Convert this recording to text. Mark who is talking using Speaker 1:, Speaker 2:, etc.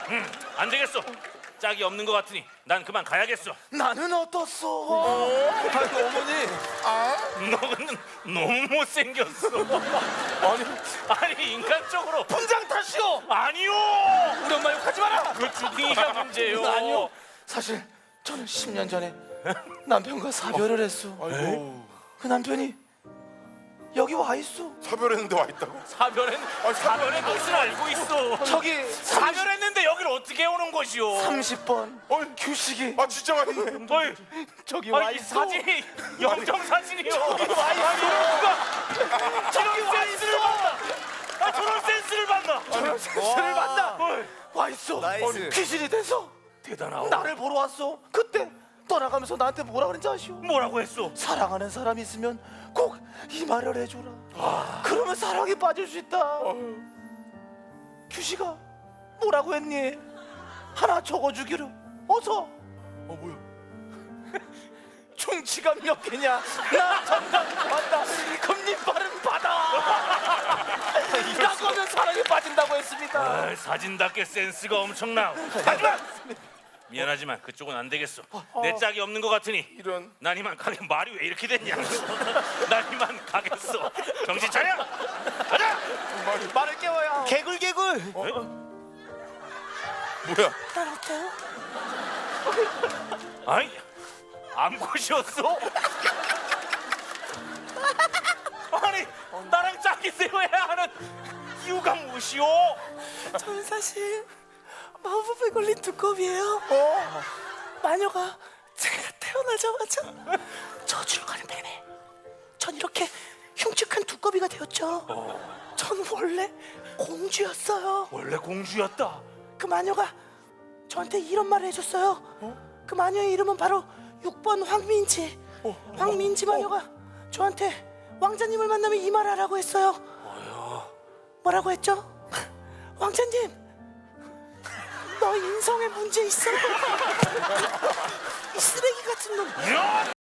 Speaker 1: 안 되겠어. 짝이 없는 것 같으니 난 그만 가야겠어.
Speaker 2: 나는 어떻소? 아이고 어머니.
Speaker 1: 너는 너무 못생겼어. 아니 인간적으로
Speaker 2: 분장 탓이오.
Speaker 1: 아니요.
Speaker 2: 우리 엄마 욕하지 마라.
Speaker 1: 그 주둥이가 문제예요.
Speaker 2: 아니요. 사실 저는 10년 전에 남편과 사별을 했어.
Speaker 3: 아이고.
Speaker 2: 그 남편이 여기 와 있어.
Speaker 3: 사별했는데 와 있다고?
Speaker 1: 사별의 것을 알고 있어.
Speaker 2: 저기
Speaker 1: 사별했는데 여기를 어떻게 오는 것이오?
Speaker 2: 30번
Speaker 3: 어이.
Speaker 2: 규식이
Speaker 3: 아 진짜 와 있네.
Speaker 1: 어이,
Speaker 2: 저기 와
Speaker 1: 이
Speaker 2: 있어.
Speaker 1: 사진이 영정 사진이요.
Speaker 2: 와 있어.
Speaker 1: 저런 센스를 봤나? 저런 센스를 봤나?
Speaker 2: 저런 센스를 만나.
Speaker 1: 어이,
Speaker 2: 와 있어.
Speaker 4: 나이스.
Speaker 2: 귀신이 돼서
Speaker 1: 대단하오.
Speaker 2: 나를 보러 왔어. 그때 떠나가면서 나한테 뭐라 그랬는지 아시오?
Speaker 1: 뭐라고 했어?
Speaker 2: 사랑하는 사람이 있으면 꼭 이 말을 해줘라. 그러면 사랑에 빠질 수 있다. 규식아 뭐라고 했니? 하나 적어주기로. 어서.
Speaker 3: 뭐야?
Speaker 2: 충치가 몇 개냐? 나 정답 받다. 금리빨은 받아. 라고 하면 사랑에 빠진다고 했습니다.
Speaker 1: 아, 사진답게 센스가 엄청나. 하지만 미안하지만 그쪽은 안 되겠어. 내 짝이 없는 것 같으니
Speaker 3: 이런.
Speaker 1: 난 이만 가게. 말이 왜 이렇게 됐냐? 난 이만 가겠어. 정신 차려. 가자.
Speaker 2: 말을 깨워야.
Speaker 4: 개굴 개굴.
Speaker 3: 뭐야?
Speaker 2: 난 어때요?
Speaker 1: 아이 암컷이었어? 아니 나랑 짝이 되어야 하는 이유가 무엇이오?
Speaker 2: 저는 사실 마법에 걸린 두꺼비예요. 마녀가 제가 태어나자마자 저주를 가는 바람에 전 이렇게 흉측한 두꺼비가 되었죠. 전 원래 공주였어요.
Speaker 1: 원래 공주였다.
Speaker 2: 그 마녀가 저한테 이런 말을 해줬어요. 그 마녀의 이름은 바로 6번 황민지. 황민지 마녀가 저한테 왕자님을 만나면 이 말 하라고 했어요. 뭐라고 했죠? 왕자님, 너 인성에 문제 있어. 이 쓰레기 같은 놈.